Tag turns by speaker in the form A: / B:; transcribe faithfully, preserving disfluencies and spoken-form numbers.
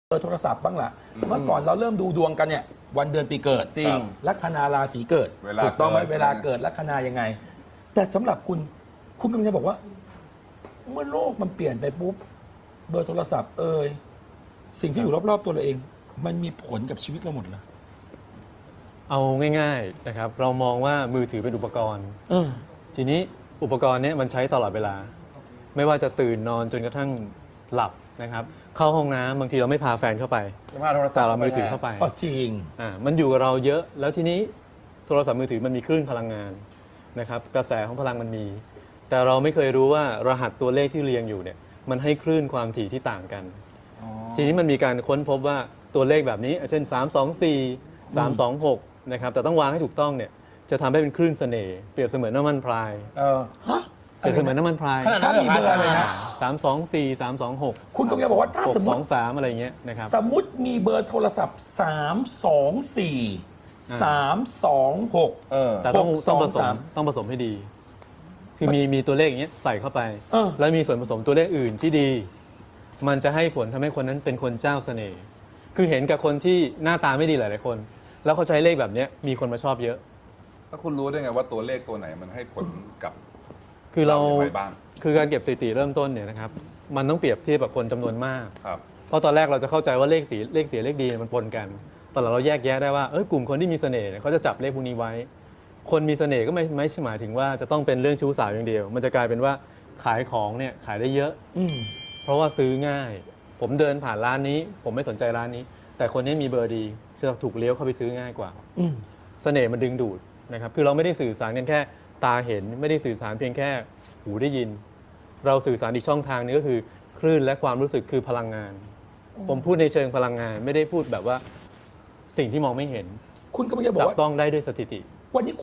A: เบอร์โทรศัพท์บ้างล่ะเมื่อก่อนเราเริ่มดูดวงกันเนี่ยวันเดือนปีเกิด
B: จริง
A: ลัคนาราศีเกิด
C: เวลา
A: ถูกต้องไหม
C: เกิด
A: เวลาเกิดลัคนายังไง แต่สำหรับคุณคุณกำลังจะบอกว่า เมื่อโลกมันเปลี่ยนไปปุ๊บเบอร์โทรศัพท์เอ่ยสิ่งที่อยู่รอบๆตัวเราเอง มันมีผลกับชีวิตเราหมดเลย
B: เอาง่ายๆนะครับเรามองว่ามือถือเป็นอุปกรณ์
A: เออ
B: ทีนี้อุปกรณ์เนี้มันใช้ตลอดเวลา ไม่ว่าจะตื่นนอนจนกระทั่งหลับนะครับเข้าห้องน้ำบางทีเราไม่พาแฟนเข้าไป
C: จะพาโทรศัพ
B: แต่
C: ท์
B: เรามือถือเข้าไป
A: อ๋อจริง
B: อ่ามันอยู่กับเราเยอะแล้วทีนี้โทรศัพท์มือถือมันมีคลื่นพลังงานนะครับกระแสของพลังมันมี แต่เราไม่เคยรู้ว่ารหัสตัวเลขที่เรียงอยู่เนี่ยมันให้คลื่นความถี่ที่ต่างกัน
C: อ๋อ
B: ทีนี้มันมีการค้นพบว่าตัวเลขแบบนี้เช่นสาม สอง สี่ สาม สอง หกนะครับแต่ต้องวางให้ถูกต้องเนี่ยจะทำให้เป็นคลื่นเสน่ห์เปรียบเสมือนน้ำมันพราย
C: เออ
A: ฮะ
B: เปรียบเสมือนน้ำมันพราย
C: ขนาดนั้น
A: ถ้ามีเบอร์
C: เหรอ
A: อะไรนะ
B: สาม สอง สี่ สาม สอง หก
A: คุณกำลังจะบอกว่าถ้า
B: หก
A: สมม
B: ส
A: ติ
B: อง สามอะไรเงี้ยนะครับ
A: สมมติมีเบอร์โทรศัพท์สามสองสี่
B: อ่า
A: สามสองหก
C: เออ
B: แต่ต้อง
A: หก
B: ต้องผส
A: สองสาม ม
B: ต้องผสมให้ดี คือมีมีตัวเลขอย่างเงี้ยใส่เข้าไป
A: เออ
B: แล้วมีส่วนผสมตัวเลขอื่นที่ดี มันจะให้ผลทำให้คนนั้นเป็นคนเจ้าเสน่ห์คือเห็นกับคนที่หน้าตาไม่ดีหลายๆคน แล้วเขาใช้เลขแบบเนี้ยมีคนมาชอบเยอะ
C: แล้วคุณรู้ได้ไงว่าตัวเลขตัวไหนมันให้ผลกับ
B: คือเรา
C: อย่างไรบ้าง
B: คือการเก็บสถิติเริ่มต้นเนี่ยนะครับมันต้องเปรียบเทียบกับคนจำนวนมาก
C: ครับ
B: เพราะตอนแรกเราจะเข้าใจว่าเลขสีเลขเสียเลขดีมันปนกัน ตอนหลังเราแยกแยะได้ว่าเอ้ยกลุ่มคนที่มีเสน่ห์เนี่ยเขาจะจับเลขพวกนี้ไว้ คนมีเสน่ห์ก็ไม่ไม่ใช่หมายถึงว่าจะต้องเป็นเรื่องชู้สาวอย่างเดียว มันจะกลายเป็นว่าขายของเนี่ยขายได้เยอะ
A: อืม
B: เพราะว่าซื้อง่าย ผมเดินผ่านร้านนี้ ผมไม่สนใจร้านนี้ แต่คนนี้มีเบอร์ดีจะถูกเลี้ยวเข้าไปซื้อง่ายกว่า
A: อืม
B: เสน่ห์มันดึงดูดนะครับคือเราไม่ได้สื่อสารกันแค่ตาเห็นไม่ได้สื่อสารเพียงแค่หูได้ยิน เราสื่อสารอีกช่องทางนึงก็คือคลื่นและความรู้สึกคือพลังงาน ผมพูดในเชิงพลังงาน ไม่ได้พูดแบบว่าสิ่งที่มองไม่เห็น
A: คุณกำลังจะบอก
B: จับ
A: ว่า
B: ต้องได้ด้วยสถิติ
A: วันนี้